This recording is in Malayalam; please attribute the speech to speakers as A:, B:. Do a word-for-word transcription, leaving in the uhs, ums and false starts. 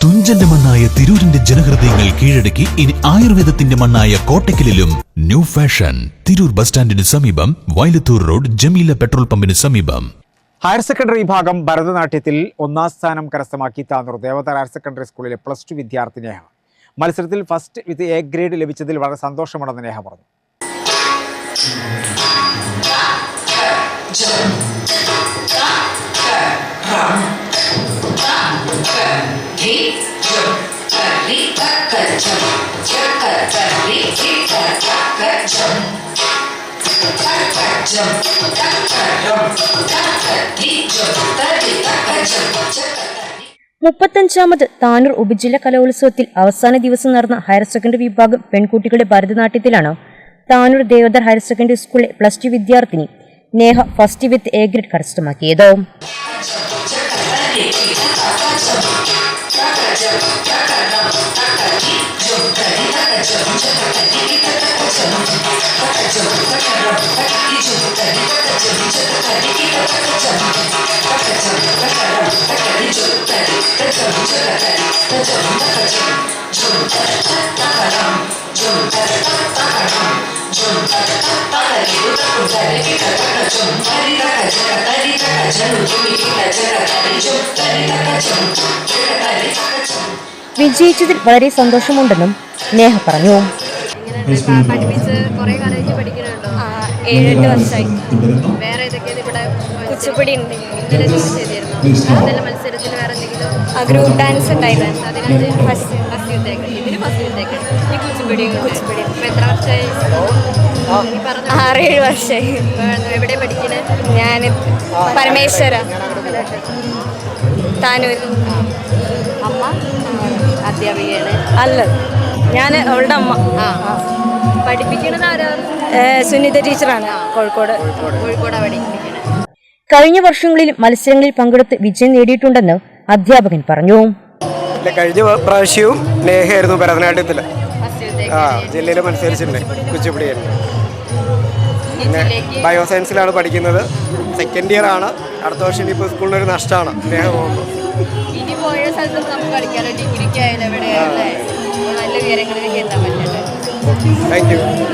A: തുഞ്ചന്റെ മണ്ണായ തിരൂരിന്റെ ജനഹൃദയങ്ങൾ കീഴടക്കി ഇനി ആയുർവേദത്തിന്റെ മണ്ണായ കോട്ടക്കലിലും ന്യൂ ഫാഷൻ. തിരൂർ ബസ് സ്റ്റാൻഡിന് സമീപം, വയലത്തൂർ റോഡ്, ജമീല പെട്രോൾ പമ്പിന് സമീപം.
B: ഹയർ സെക്കൻഡറി വിഭാഗം ഭരതനാട്യത്തിൽ ഒന്നാം സ്ഥാനം കരസ്ഥമാക്കി താനൂർ ദേവദർ ഹയർ സെക്കൻഡറി സ്കൂളിലെ പ്ലസ് ടു വിദ്യാർത്ഥി നേഹ. മത്സരത്തിൽ ഫസ്റ്റ് വിത്ത് എ ഗ്രേഡ് ലഭിച്ചതിൽ വളരെ സന്തോഷമുണ്ടെന്ന് നേഹ പറഞ്ഞു.
C: മുപ്പത്തഞ്ചാമത് താനൂർ ഉപജില്ല കലോത്സവത്തിൽ അവസാന ദിവസം നടന്ന ഹയർ സെക്കൻഡറി വിഭാഗം പെൺകുട്ടികളുടെ ഭരതനാട്യത്തിലാണ് താനൂർ ദേവദർ ഹയർ സെക്കൻഡറി സ്കൂളിലെ പ്ലസ് ടു വിദ്യാർത്ഥിനി Neha first with A grade കരസ്ഥമാക്കിയത്. വിജയിച്ചതിൽ വളരെ സന്തോഷമുണ്ടെന്നും നേഹ പറഞ്ഞു.
D: ഏഴെട്ട് വർഷമായി. വേറെ ഏതൊക്കെയാണ് ഇവിടെ? കുച്ചിപ്പുടി ഉണ്ട്. ഇന്നലെ മത്സരത്തിൽ വേറെ എന്തെങ്കിലും ഗ്രൂപ്പ് ഡാൻസ് ഉണ്ടായിരുന്നു. അതിന് ഫസ്റ്റ് ഫസ്റ്റ് യുദ്ധേക്ക് ഇതിന് ഫസ്റ്റ് യുദ്ധേക്ക് ഈ കുച്ചിപ്പുടി കുച്ചിപ്പുടി ഇപ്പം എത്ര വർഷമായി? ആറേഴ് വർഷമായി. എവിടെ പഠിക്കണേ? ഞാൻ പരമേശ്വര താനൂർ. അമ്മ അധ്യാപികയാണ്? അല്ല, ഞാൻ അവളുടെ അമ്മ. ആ പഠിപ്പിക്കണത് ആരാ? സുനിത ടീച്ചറാണ്. കോഴിക്കോട് കോഴിക്കോട് പഠിപ്പിക്കുന്നത്.
C: കഴിഞ്ഞ വർഷങ്ങളിൽ മത്സരങ്ങളിൽ പങ്കെടുത്ത് വിജയം നേടിയിട്ടുണ്ടെന്ന് അധ്യാപകൻ പറഞ്ഞു.
E: കഴിഞ്ഞ പ്രാവശ്യവും നേഹയായിരുന്നു ഭരതനാട്യത്തിൽ. ആ ജില്ലയിൽ മത്സരിച്ചിട്ടുണ്ട്. കുച്ചിപ്പുടിയായിരുന്നു. പിന്നെ ബയോസയൻസിലാണ് പഠിക്കുന്നത്. സെക്കൻഡ് ഇയർ ആണ്. അടുത്ത വർഷം ഇനിയിപ്പോൾ സ്കൂളിനൊരു നഷ്ടമാണ് നേഹ പോകുമ്പോൾ.
D: ഇനി പോയ സ്ഥലത്ത് നമുക്ക് കളിക്കാമല്ലോ. ഡിഗ്രിക്ക് ആയാലും എവിടെയാണല്ലേ നല്ല വിവരങ്ങളിലേക്ക് എത്താൻ പറ്റട്ടെ.
E: Thank U.